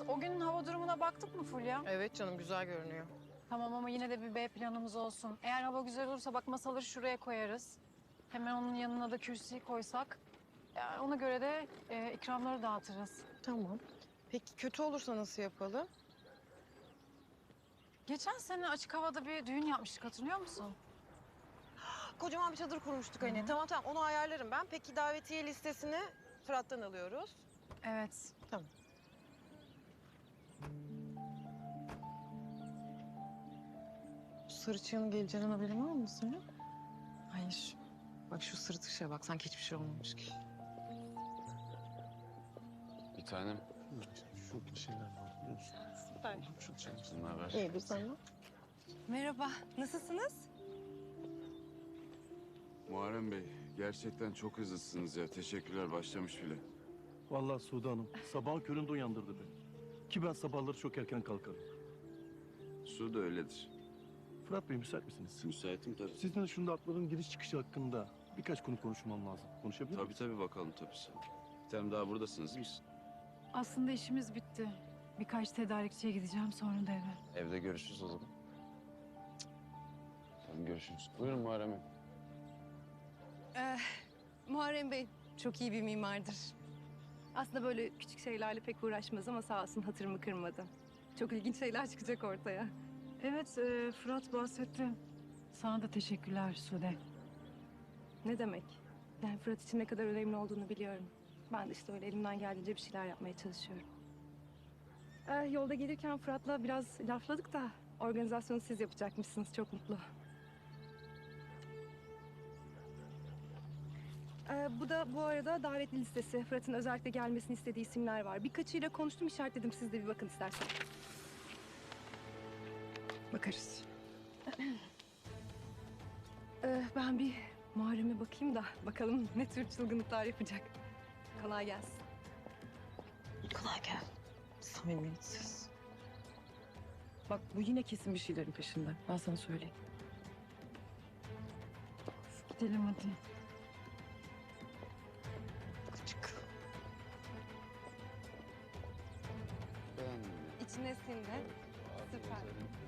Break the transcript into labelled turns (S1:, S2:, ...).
S1: O günün hava durumuna baktık mı Fulya?
S2: Evet canım, güzel görünüyor.
S1: Tamam ama yine de bir B planımız olsun. Eğer hava güzel olursa bak masaları şuraya koyarız. Hemen onun yanına da kürsüyü koysak. Yani ona göre de ikramları dağıtırız.
S2: Tamam. Peki kötü olursa nasıl yapalım?
S1: Geçen sene açık havada bir düğün yapmıştık hatırlıyor musun?
S2: Kocaman bir çadır kurmuştuk hani.
S1: Hı.
S2: Tamam onu ayarlarım ben. Peki davetiye listesini Fırat'tan alıyoruz.
S1: Evet.
S2: Tamam. Bu sarıçığın geleceğinin haberin var mı senin?
S1: Hayır.
S2: Bak şu sırıtışa bak, sanki hiçbir şey olmamış gibi.
S3: Bir tanem.
S4: Şurada şeyler var biliyor musun?
S2: Süper.
S3: Sizin ne haber?
S2: İyidir sana.
S5: Merhaba, nasılsınız?
S3: Muharrem Bey, gerçekten çok hızlısınız ya. Teşekkürler, başlamış bile.
S4: Vallahi Sude Hanım sabahın köründe uyandırdı beni. Ki ben sabahları çok erken kalkarım.
S3: Su da öyledir.
S4: Fırat Bey müsait misiniz?
S3: Müsaitim tabii.
S4: Sizinle şunda atların giriş çıkışı hakkında birkaç konu konuşmam lazım. Konuşabilir miyiz?
S3: Tabii bakalım tabii sen. Bir tanem daha buradasınız değil mi?
S1: Aslında işimiz bitti. Birkaç tedarikçiye gideceğim sonra da eve.
S3: Evde görüşürüz o zaman. Tamam görüşürüz. Buyurun Muharrem Bey.
S5: Muharrem Bey çok iyi bir mimardır. Aslında böyle küçük şeylerle pek uğraşmaz ama sağ olsun hatırımı kırmadı. Çok ilginç şeyler çıkacak ortaya.
S1: Evet Fırat bahsetti. Sana da teşekkürler Sude.
S5: Ne demek? Yani Fırat için ne kadar önemli olduğunu biliyorum. Ben de işte öyle elimden geldiğince bir şeyler yapmaya çalışıyorum. Yolda gelirken Fırat'la biraz lafladık da organizasyonu siz yapacakmışsınız. Çok mutlu. Bu da bu arada davetli listesi. Fırat'ın özellikle gelmesini istediği isimler var. Birkaçıyla konuştum, işaretledim. Siz de bir bakın isterseniz.
S2: Bakarız.
S5: Ben bir Muharrem'e bakayım da bakalım ne tür çılgınlıklar yapacak. Kolay gelsin.
S2: Kolay gel. Samimiyetsiz. Bak bu yine kesin bir şeylerin peşinde. Ben sana söyleyeyim.
S1: Gidelim hadi.
S2: Küçük.
S3: Ben...
S5: İçine sindi. Süper.